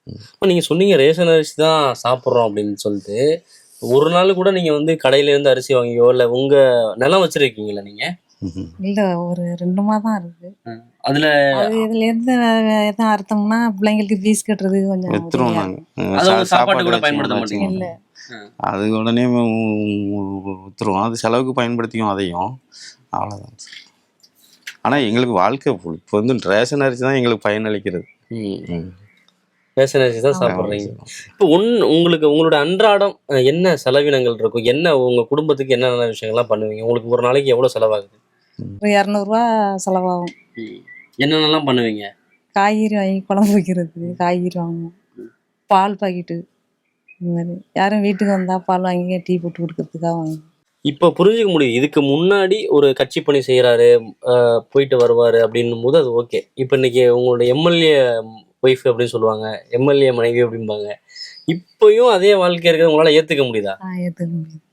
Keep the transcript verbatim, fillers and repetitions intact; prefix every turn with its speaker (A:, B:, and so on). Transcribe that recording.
A: இப்ப நீங்க சொன்னீங்க ரேஷன் அரிசி தான் சாப்பிடுறோம் அப்படின்னு சொல்லிட்டு. ஒரு நாள் கூட நீங்க வந்து கடையில இருந்து அரிசி வாங்கியோ, இல்ல உங்க நிலம் வச்சிருக்கீங்களா நீங்க?
B: ம்ஹ்ம்.
C: இல்ல ஒரு ரெண்டு மாதம் இருக்கு.
A: ம். அதுல
C: அது இதுலேருந்து எதுவும் அறுத்தோம்னா பிள்ளைங்களுக்கு ஃபீஸ் கட்டுறதுக்கு கொஞ்சம்
B: வித்துருவோம்
C: உதவியா
B: நாங்க.
C: இருக்கும்.
B: அ
A: அத
B: சா
A: உங்க சாப்பாட்டுக்கு
B: சாப்பாடு
A: கூட
B: வச்சு
A: பயன்படுத்த
B: மட்டும் வச்சுக்க
A: மாட்டீங்க?
C: இல்ல.
B: மாட்டோம்.
A: ம்.
B: அது உடனே வு வித்துருவோம். அது செலவுக்கு பயன்படுத்திக்குவோம் அதையும். அவ்வளோதான். ஆனா எங்களுக்கு வாழ்க்கை ஃபுல் இப்போ வந்து ரேஷன் அரிசி தான் எங்களுக்கு பயனளிக்கிறது.
A: ம்.
B: ம்.
A: ரேஷன் அரிசி தான்
C: ஆமா.
A: சாப்பிடுறீங்க. இப்போ உன் உங்களுக்கு உங்களோட அன்றாடம் அ என்ன செலவினங்கள் இருக்கும்? என்ன உங்க குடும்பத்துக்கு என்னென்ன விஷயங்கள்லாம் பண்ணுவீங்க? உங்களுக்கு ஒரு நாளைக்கு எவ்வளோ செலவாகுது?
B: ம்.
C: ஒரு இரநூறுவா செலவாகும்.
A: ம். என்னென்னலாம் பண்ணுவீங்க?
C: காய்கறி வாங்கி குழம்பு வைக்கிறதுக்கு காய்கறி வாங்குவோம். பால் பாக்கெட்டு இந்த மாதிரி யாரும் வீட்டுக்கு வந்தா பால் வாங்கி டீ போட்டு குடுக்கறதுக்காக வாங்குவோம்.
A: இப்ப புரிஞ்சுக்க முடியுது. இதுக்கு முன்னாடி ஒரு கட்சி பணி செய்றாரு, அ போயிட்டு வருவாரு அப்படின்னும்போது அது ஓகே. இப்ப இன்னைக்கு உங்களோட எம்எல்ஏ ஒய்ஃப் அப்படின்னு சொல்லுவாங்க. எம்எல்ஏ மனைவி அப்படிம்பாங்க. இப்பயும் அதே வாழ்க்கை இருக்கிறத உங்களால ஏத்துக்க முடியுதா?
C: ஆ ஏத்துக்க முடியும்.